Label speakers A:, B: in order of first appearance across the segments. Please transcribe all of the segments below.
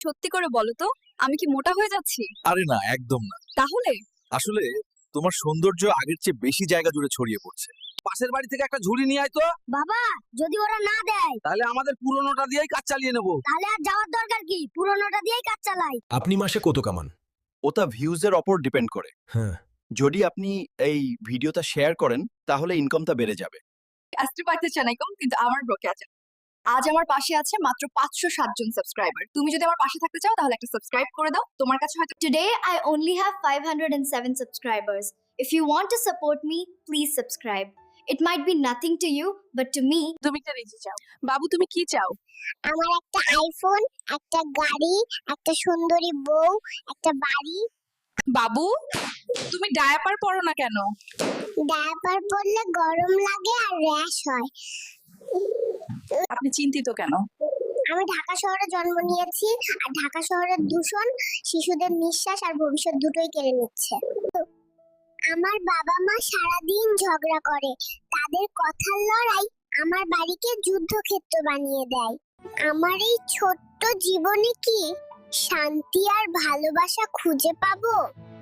A: সত্যি করে বলো তো, আমি কি মোটা হয়ে যাচ্ছি?
B: আরে না, একদম না।
A: তাহলে
B: আসলে তোমার সৌন্দর্য আগের চেয়ে বেশি জায়গা জুড়ে ছড়িয়ে পড়ছে। পাশের বাড়ি থেকে একটা ঝুড়ি নিয়ে আয় তো।
C: বাবা, যদি ওরা না দেয়
B: তাহলে আমাদের পুরনোটা দিয়েই কাজ চালিয়ে নেব।
C: তাহলে আর যাওয়ার দরকার কি? পুরোনোটা দিয়েই কাজ চালাই।
D: আপনি মাসে কত কামান?
E: ওটা ভিউজের ওপর ডিপেন্ড করে।
D: হ্যাঁ।
E: যদি আপনি এই ভিডিওটা শেয়ার করেন তাহলে ইনকামটা বেড়ে যাবে।
A: আসতে পারতে চানাইকম, কিন্তু আমার ব্রোকে আছে। আজ আমার পাশে আছে মাত্র 507 জন সাবস্ক্রাইবার। তুমি যদি আমার পাশে থাকতে চাও তাহলে একটা সাবস্ক্রাইব করে দাও। তোমার কাছে হয়তো
C: Today I only have 507 subscribers. If you want to support me, please subscribe. It might be nothing to you, but to me,
A: তুমি একটা রেজি চাও। বাবু, তুমি কি চাও?
F: আমার একটা আইফোন, একটা গাড়ি, একটা সুন্দরী বউ, একটা বাড়ি।
A: বাবু, তুমি ডায়াপার পরো না কেন?
F: ডায়াপার পরলে গরম লাগে আর র্যাশ হয়।
A: আপনি চিন্তিত কেন?
F: আমি ঢাকা শহরে জন্ম নিয়েছি, আর ঢাকা শহরের দূষণ শিশুদের নিঃশ্বাস আর ভবিষ্যৎ দুটোই কেড়ে নিচ্ছে। আমার বাবা মা সারাদিন ঝগড়া করে, তাদের কথার লড়াই আমার বাড়িকে যুদ্ধক্ষেত্র বানিয়ে দেয়। আমার এই ছোট্ট জীবনে কি শান্তি আর ভালোবাসা খুঁজে পাবো?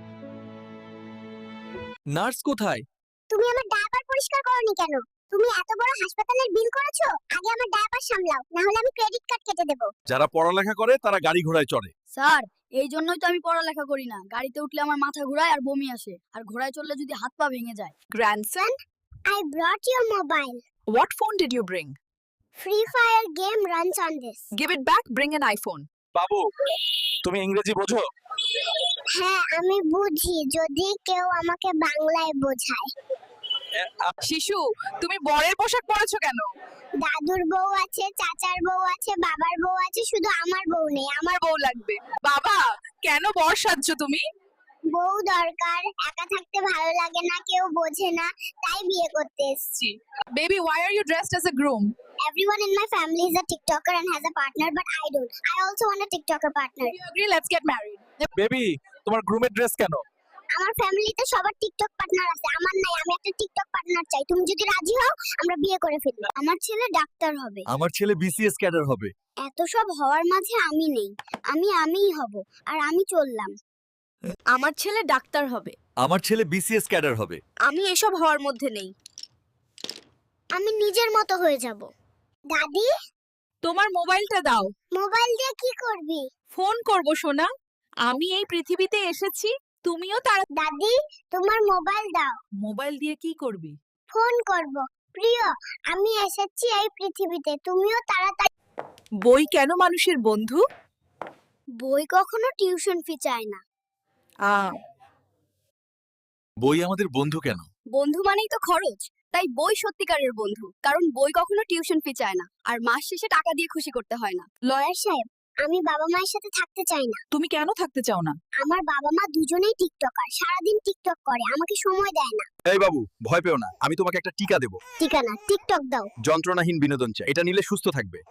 B: নার্স কোথায়?
F: তুমি আমার ডায়াপার পরিষ্কার করনি কেন? তুমি এত বড় হাসপাতালের বিল করেছো, আগে আমার ডায়াপার সামলাও, না হলে আমি ক্রেডিট কার্ড কেটে দেব।
B: যারা পড়ালেখা করে তারা গাড়ি ঘোড়ায় চড়ে।
C: স্যার, এই জন্যই তো আমি পড়ালেখা করি না। গাড়িতে উঠলে আমার মাথা ঘোরায় আর বমি আসে, আর ঘোড়ায় চললে যদি হাত পা ভেঙে যায়।
A: Grandson,
F: I brought your mobile.
A: what phone did you bring?
F: Free Fire game runs on this.
A: Give it back, bring an iPhone.
B: বাবু, তুমি ইংরেজি বোঝো?
F: হ্যাঁ, আমি বুঝি, যদি কেউ আমাকে বাংলায় বোঝায়।
A: শিশু, তুমি বরের পোশাক পরেছো কেন?
F: দাদুর বউ আছে, চাচার বউ আছে, বাবার বউ আছে, শুধু আমার বউ নেই।
A: আমার বউ লাগবে। বাবা, কেন বর সাজছো তুমি?
F: বউ দরকার, একা থাকতে ভালো লাগে না, কেউ বোঝে না, তাই বিয়ে করতে এসেছি।
A: Baby, why are you dressed as a groom?
F: Everyone in my family is a TikToker and has a partner, but I don't. I also want a TikToker partner.
A: If you agree, let's get married.
B: Baby, তোমার গ্রুমের dress কেন?
F: আমার ফ্যামিলিতে সবার TikTok partner আছে, আমার নাই। আমি একটা টিকটক পার্টনার চাই। তুমি যদি রাজি হও, আমরা বিয়ে করে ফেলবো। আমার ছেলে ডাক্তার হবে।
B: আমার ছেলে বিসিএস ক্যাডার হবে।
F: এত সব হওয়ার মাঝে আমি নেই। আমিই হব, আর আমি চললাম।
C: আমার ছেলে ডাক্তার হবে।
B: আমার ছেলে বিসিএস ক্যাডার হবে।
C: আমি এসব হওয়ার মধ্যে নেই।
F: আমি নিজের মতো হয়ে যাব। দাদি,
A: তোমার মোবাইলটা দাও।
F: মোবাইল দিয়ে কি করবি?
A: ফোন করব সোনা। আমি এই পৃথিবীতে এসেছি, তুমিও তার।
F: দাদি, তোমার মোবাইল দাও।
A: মোবাইল দিয়ে কি করবি?
F: ফোন করব। প্রিয়, আমি এসেছি এই পৃথিবীতে, তুমিও তাড়াতাড়ি।
A: বই কেন মানুষের বন্ধু?
F: বই কখনো টিউশন ফি চায় না।
B: বই আমাদের বন্ধু কেন?
A: বন্ধু মানেই তো খরচ, তাই বই সত্যিকারের বন্ধু। কারণ বই কখনো টিউশন ফি চায় না, আর মাস শেষে টাকা দিয়ে খুশি করতে হয় না।
F: লয়ার সাহেব, আমি বাবা মায়ের সাথে থাকতে চাই না।
A: তুমি কেন থাকতে চাও না?
F: আমার বাবা মা দুজনেই টিকটকার, সারাদিন টিকটক করে, আমাকে সময় দেয় না।
B: এই বাবু, ভয় পেও না, আমি তোমাকে একটা টিকা দেব।
F: ঠিকানা টিকটক দাও।
B: যন্ত্রণাহীন বিনোদন চাই, এটা নিলে সুস্থ থাকবে।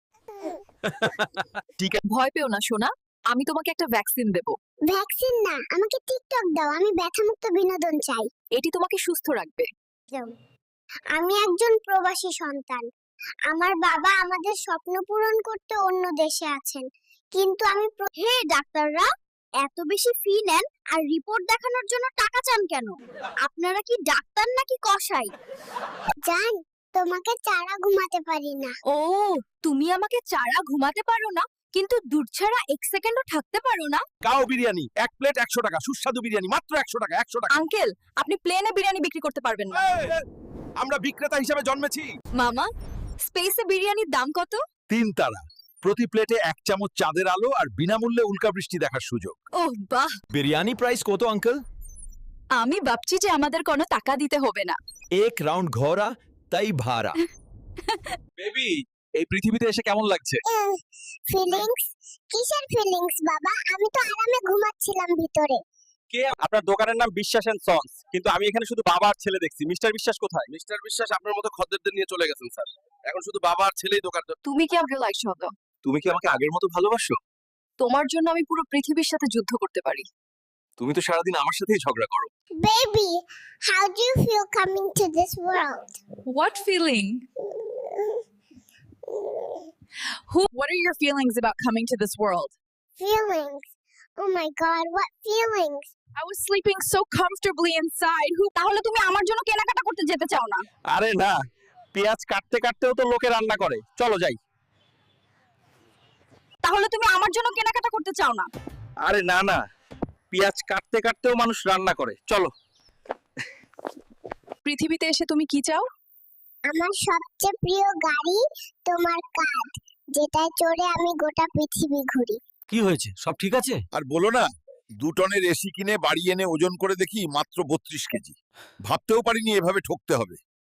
B: টিকা।
A: ভয় পেও না সোনা, আমি তোমাকে একটা ভ্যাকসিন দেব।
F: ভ্যাকসিন না, আমাকে টিকটক দাও। আমি ব্যথামুক্ত বিনোদন চাই।
A: এটি তোমাকে সুস্থ রাখবে।
F: আমি একজন প্রবাসী সন্তান। আমার বাবা আমাদের স্বপ্ন পূরণ করতে অন্য দেশে আছেন, কিন্তু আমি
A: হে ডাক্তাররা, এত বেশি ফি নেন আর রিপোর্ট দেখানোর জন্য টাকা চান কেন? আপনারা কি ডাক্তার নাকি কসাই?
F: জান, তোমাকে চারা ঘুমাতে পারি না।
A: ও, তুমি আমাকে চারা ঘুমাতে পারো না, কিন্তু দুধ ছাড়া 1 সেকেন্ডও থাকতে পারো না?
B: কাও বিরিয়ানি, এক প্লেট 100 টাকা। সুস্বাদু বিরিয়ানি মাত্র 100 টাকা। 100 টাকা।
A: আঙ্কেল, আপনি প্লেনে বিরিয়ানি বিক্রি করতে পারবেন না।
B: আমরা বিক্রেতা হিসেবে জন্মেছি।
A: মামা, স্পেসে বিরিয়ানির দাম কত?
B: 3 তারা, প্রতি প্লেটে 1 চামচ চাঁদের আলো আর বিনামূল্যে উল্কাবৃষ্টি দেখার সুযোগ।
A: ওহ বাহ,
D: বিরিয়ানি প্রাইস কত আঙ্কেল?
A: আমি ভাবছি যে আমাদের কোনো টাকা দিতে হবে না।
D: এক রাউন্ড ঘোরা তাই ভাড়া।
B: বেবি, এই পৃথিবীতে এসে কেমন লাগছে?
F: ফিলিংস? কিসের ফিলিংস বাবা? আমি তো আরামে ঘুমাচ্ছিলাম ভিতরে।
B: কে? আপনার দোকানের নাম বিশ্বাস এন্ড সন্স, কিন্তু আমি এখানে শুধু বাবা আর ছেলে দেখছি। মিস্টার বিশ্বাস কোথায়? মিস্টার বিশ্বাস আপনার মতো খদ্দেরদের নিয়ে চলে গেছেন স্যার। এখন শুধু বাবা আর ছেলেই দোকান।
A: তুমি কি আমাকে লাইক হতো?
B: তুমি কি আমাকে আগের মতো ভালোবাসো?
A: তোমার জন্য আমি পুরো পৃথিবীর সাথে যুদ্ধ করতে পারি।
B: তুমি তো সারাদিন আমার সাথেই ঝগড়া করো।
F: Baby, how do you feel coming to this world?
A: What feeling? What are your feelings about coming to this world?
F: Feelings. Oh my god, what feelings?
A: I was sleeping so comfortably inside. তাহলে তুমি আমার জন্য কেনাকাটা করতে যেতে চাও না?
B: আরে না, পেঁয়াজ কাটতে কাটতেও তো লোকে রান্না করে, চলো যাই।
A: তাহলে তুমি আমার জন্য কেনাকাটা করতে চাও না?
B: আরে না না, পেঁয়াজ কাটতে কাটতেও মানুষ রান্না করে, চলো।
A: পৃথিবীতে এসে তুমি কি চাও?
F: আমার সবচেয়ে প্রিয় গাড়ি তোমার কাঁধ, যেটায় চড়ে আমি গোটা পৃথিবী ঘুরি।
G: কি হয়েছে, সব ঠিক আছে?
H: আর বলো না, 2 টনের এসি কিনে বাড়ি এনে ওজন করে দেখি মাত্র 32 কেজি। ভাবতেও পারিনি এভাবে ঠকতে হবে।